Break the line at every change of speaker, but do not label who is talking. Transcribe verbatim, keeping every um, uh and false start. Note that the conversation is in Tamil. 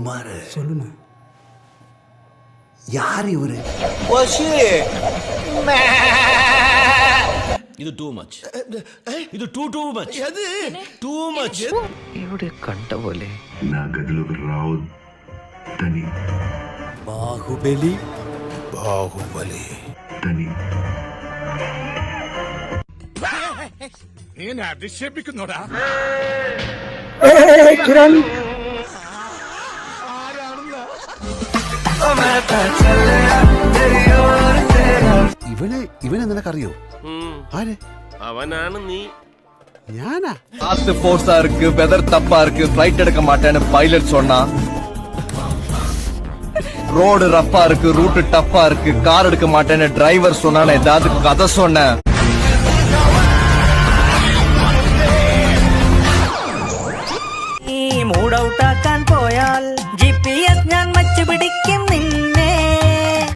குமார்
சொல்லுண்ணா.
யார் இவரு?
இது டூ மச். ఇది టూ టూ మచ్.
அது
టూ మచ్.
ഇവിടെ കണ്ട പോലെ
నా గదిలోకి రావు తని
బాహుబలి బాహుబలి
తని
నేను అధిక్షేపిക്കുന്നోడా
కిరణ్
ഇവനെ ഇവനെ നിനക്കറിയോ? ആരെ?
അവനാണ് നീ.
ഞാനാ?
காத்து போர்ஸா இருக்கு, வெதர் தப்பா இருக்கு, ஃபிளைட் எடுக்க மாட்டேன்னு பைலட் சொன்னா, ரோடு ரஃப்பா இருக்கு, ரூட் டஃப்பா இருக்கு, கார் எடுக்க மாட்டேன்னு டிரைவர் சொன்னான்னு ஏதாவது கதை சொன்னேன்.
മൂടൗട്ടാക്കാൻ പോയാൽ